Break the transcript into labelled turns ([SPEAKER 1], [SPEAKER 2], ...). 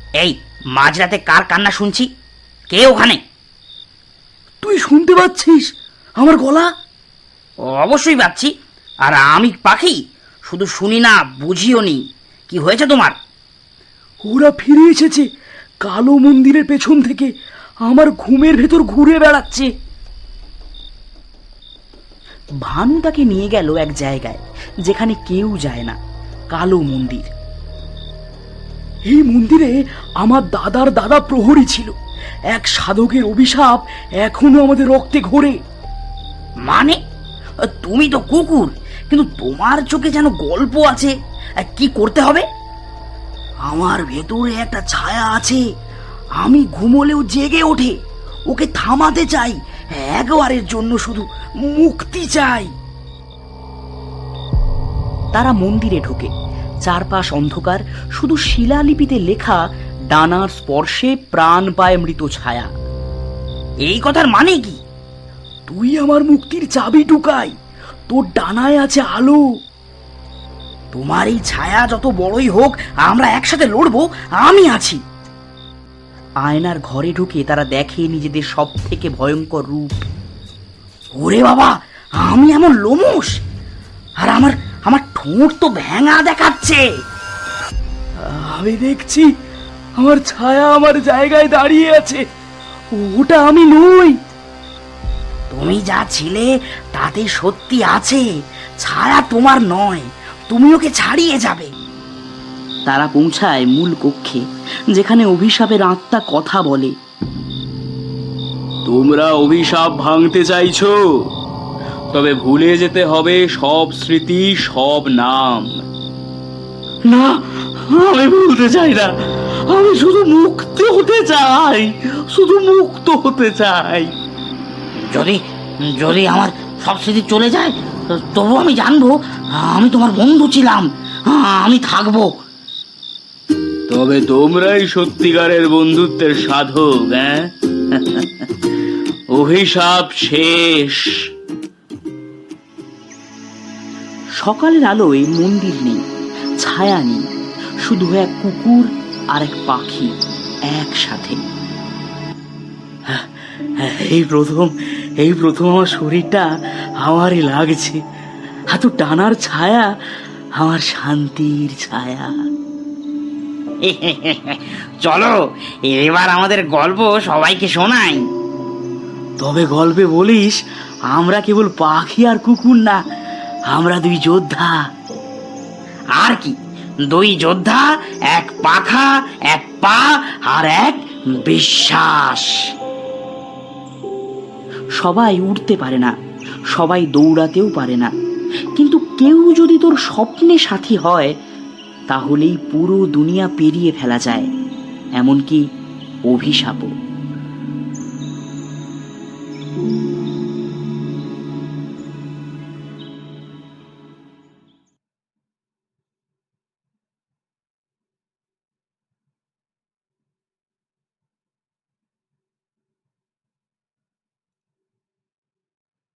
[SPEAKER 1] এই মাঝরাতে কার কান্না শুনছি? কে ওখানে?
[SPEAKER 2] তুই শুনতে পাচ্ছিস আমার গলা?
[SPEAKER 1] অবশ্যই পাচ্ছি। আর আমি পাখি, শুধু শুনি না, বুঝিও নি। কি হয়েছে তোমার?
[SPEAKER 2] ওরা ফিরে এসেছে কালো মন্দিরের পেছন থেকে, আমার ঘুমের ভেতর ঘুরে বেড়াচ্ছে। ভানু তাকে নিয়ে গেল এক জায়গায় যেখানে কেউ যায় না, কালো মন্দির। এই মন্দিরে আমার দাদার দাদা প্রহরী ছিল। এক সাধকের অভিশাপ এখনো আমাদের রক্তে ঘোরে।
[SPEAKER 1] মানে? তুমি তো কুকুর, কিন্তু তোমার চোখে যেন গল্প আছে। কি করতে হবে?
[SPEAKER 2] আমার ভেতরে একটা ছায়া আছে, আমি ঘুমোলেও জেগে ওঠে। ওকে থামাতে চাই, একবারের জন্য শুধু মুক্তি চাই। তারা মন্দিরে ঢোকে। চারপাশ অন্ধকার, শুধু শিলালিপিতে লেখা, ডানার স্পর্শে প্রাণ পায় মৃত ছায়া।
[SPEAKER 1] এই কথার মানে কি?
[SPEAKER 2] তুই আমার মুক্তির চাবি ঢুকাই, তোর ডানায় আছে আলো।
[SPEAKER 1] তোমার এই ছায়া যত বড়ই হোক, আমরা একসাথে লড়বো। আমি আছি।
[SPEAKER 2] আয়নার ঘরে ঢুকে তারা দেখে নিজেদের সব থেকে ভয়ঙ্কর রূপ।
[SPEAKER 1] ওরে বাবা, আমি এমন লোমশ, আর আমার আমার ঠোঁট তো ভেঙা দেখাচ্ছে।
[SPEAKER 2] আমি দেখছি আমার ছায়া আমার জায়গায় দাঁড়িয়ে আছে। ওটা আমি নই।
[SPEAKER 1] তুমি যা ছিলে তাতে সত্যি আছে, ছায়া তোমার নয়। তুমি ওকে ছাড়িয়ে যাবে।
[SPEAKER 2] তারা পৌঁছায় মূল কক্ষে, যেখানে অভিশাপের আত্মা কথা বলে।
[SPEAKER 3] তোমরা অভিশাপ ভাঙতে চাইছো, তবে ভুলে যেতে হবে সব স্মৃতি, সব নাম।
[SPEAKER 2] না, আমি ভুলতে চাই না। আমি শুধু মুক্ত হতে চাই, শুধু মুক্ত হতে চাই।
[SPEAKER 1] যদি যদি আমার সব স্মৃতি চলে যায়, তবু আমি জানবো আমি তোমার বন্ধু ছিলাম। আমি থাকবো।
[SPEAKER 3] তবে তোমরাই সত্যিকারের বন্ধুত্বের সাধক। হ্যাঁ, অভিশাপ শেষ।
[SPEAKER 2] সকালের আলোয় মন্দির নেই, ছায়া নেই, শুধু এক কুকুর আর এক পাখি একসাথে। এই প্রথম আমার শরীরটা আমারই লাগছে। এত টানার ছায়া, আমার শান্তির ছায়া।
[SPEAKER 1] চলো এবার আমাদের গল্প সবাইকে শোনাই।
[SPEAKER 2] তবে গল্পে বলিস আমরা কেবল পাখি আর কুকুর না, আমরা দুই যোদ্ধা।
[SPEAKER 1] আর কি, দুই যোদ্ধা, এক পাখা, এক পা, আর এক বিশ্বাস।
[SPEAKER 2] সবাই উঠতে পারে না, সবাই দৌড়াতেও পারে না, কিন্তু কেউ যদি তোর স্বপ্নে সাথী হয়, তাহলেই পুরো দুনিয়া পেরিয়ে ফেলা যায়, এমনকি অভিশাপও।